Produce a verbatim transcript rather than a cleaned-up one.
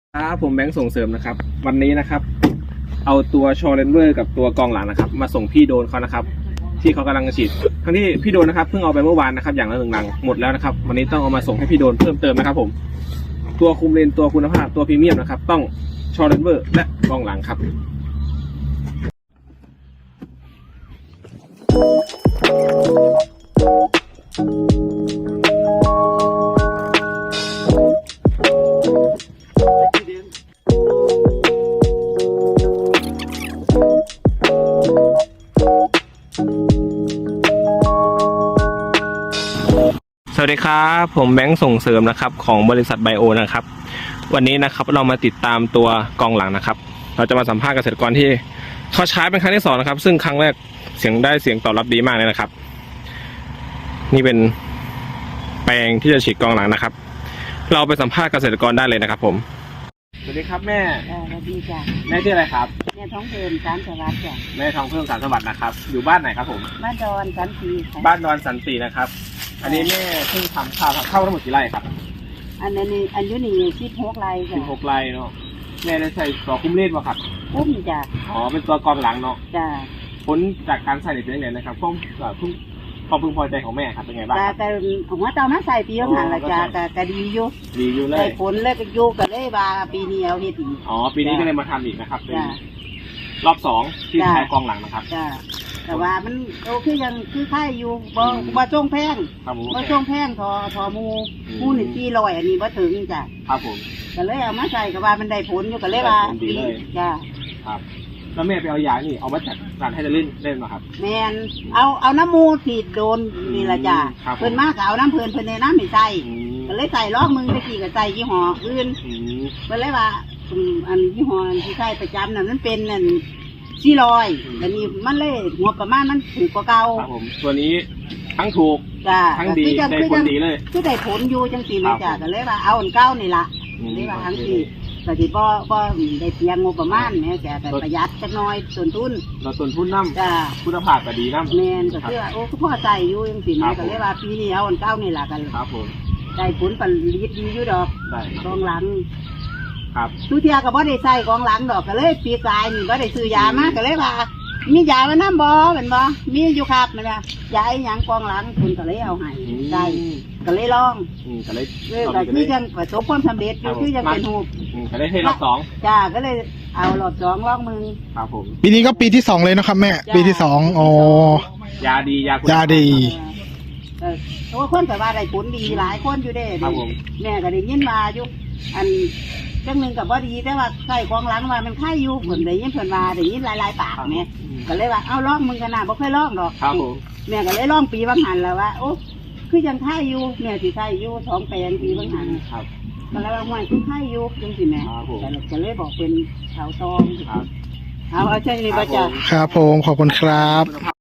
ครับผมแบงค์ส่งเสริมนะครับวันนี้นะครับเอาตัวชอเลนเวอร์กับตัวกองหลังนะครับมาส่งพี่โดนเขานะครับที่เขากำลังฉีดทั้งที่พี่โดนนะครับเพิ่งเอาไปเมื่อวานนะครับอย่างละหนึ่งลังหมดแล้วนะครับวันนี้ต้องเอามาส่งให้พี่โดนเพิ่มเติมนะครับผมตัวคุมเลนตัวคุณภาพตัวพรีเมียมนะครับต้องชอเลนเวอร์และกองหลังครับสวัสดีครับผมแบงค์ส่งเสริมนะครับของบริษัทไบโอนะครับวันนี้นะครับเรามาติดตามตัวกองหลังนะครับเราจะมาสัมภาษณ์เกษตรกรที่เขาใช้เป็นครั้งที่สองนะครับซึ่งครั้งแรกเสียงได้เสียงตอบรับดีมากเลยนะครับนี่เป็นแปลงที่จะฉีดกองหลังนะครับเราไปสัมภาษณ์เกษตรกรได้เลยนะครับผมสวัสดีครับแม่สวัสดีจ้ะแม่ชื่ออะไรครับแม่ท้องเพิ่มสารสวัสดิ์จ้ะแม่ทองเพิ่มสารสวัสดิ์นะครับอยู่บ้านไหนครับผมบ้านดอนสันติบ้านดอนสันตินะครับอันนี้แม่เพิ่งทำข้าวเข้าทั้งหมดกี่ไร่ครับอันนี้อันยุนี่สิบหกไร่จ้ะสิบหกไร่เนาะแม่ได้ใส่ตัวคุ้มเลนป่ะครับคุ้มจ้ะอ๋อเป็นตัวกองหลังเนาะจ้ะผลจากการใส่เป็นยังไงนะครับความความความพึงพอใจของแม่ครับเป็นไงบ้างครับแต่หัวเตามาใส่ปีผ่านละจ้ะแต่ก็ดีอยู่ดีอยู่เลยได้ผลแล้วก็อยู่ก็เลยว่าปีนี้เอาเฮ็ดอีกอ๋อปีนี้ก็เลยมาทำอีกนะครับเป็นรอบสองที่ใช้กองหลังนะครับจ้ะแต่ว่ามันโอเคยังคือค่ายอยู่บ่บ่ช่วงแพงบ่ช่วงแพงทอทอมูมูนี่สี่ร้อยอันนี้บ่ถึงจ้ะครับผมก็เลยเอามาใส่ก็ว่ามันได้ผลอยู่ก็เลยว่าดีเลยจ้ะครับแล้วแม่ไปเอายานี่เอามาจากร้านให้จะเล่นเล่นมาครับแมนเอาเอาน้ำมูสีดโดนนี่ละจ้ะเพิ่นมากเอาน้ำเพิ่นเพิ่นในน้ำไม่ใส่ก็เลยใส่ล้อมึงตะกี้ก็ใส่ยี่ห้ออื่นเพิ่นเลยว่าอันยี่ห้อที่ใส่ประจำนั่นมันเป็นนั่นสี่ร้อยแต่นี่มันเลยงบประมาณมันถูกกว่าเก่าครับผมตัวนี้ทั้งถูกจ้ะทั้งดีได้ผลดีเลยคือได้ผลอยู่จังสี่นะจ้ะก็เลยว่าเอาอันเก่านี่ละเลยว่าทั้งสี่ก็ที่บ่บ่ได้เพียงงบประมาณแม่แต่ประหยัดจักหน่อยต้นทุนเราต้นทุนน้ำจ้ะคุณภาพก็ดีน้ำแมนก็คือโอ้พ่อใจอยู่จังสี่นะก็เลยว่าปีนี้เอาอันเก่านี่ละกันครับผมได้ผลผลิตดีอยู่ดอกกองหลังครับทุกเทียก็บ่ได้ใส่กองหลังดอกก็เลยปีกายนี่บ่ได้ซื้อยามาก็เลยว่ามียามาน้ำบ่เป็นบ่มีอยู่ครับมันว่ายาไอ้หยังกองหลังคุณก็เลยเอาให้ได้ก็เลยลองก็เลยก็คือยังประสบความสำเร็จอยู่คือยังเป็นหูก็เลยให้รอบสองจ้าก็เลยเอารอบสองลองมึงครับผมปีนี้ก็ปีที่สองเลยนะครับแม่ปีที่สองอ๋อยาดียายาดีเออเพราะว่าคนแต่ว่าได้ผลดีหลายคนอยู่เด้แม่ก็ได้ยินมาอยู่อันจังหนึ่งกับว่าดีแต่ว่าใส่กองหลังว่ามันค่ายอยู่ผลได้ยินผลมาได้ยินหลายๆปากแม่ก็เลยว่าเอาล่องมึงกันนะบ่เคยล่องดอกแม่ก็เลยล่องปีบางหันแล้วว่าโอ้คือยังค่ายอยู่แม่สิค่ายอยู่สองแปลงปีบางหันก็เลยว่ามันคือค่ายอยู่จังสิแม่แต่ก็เลยบอกเป็นชาวตองเอาเอาใจนี่บ่จ้ะครับผมขอบคุณครับ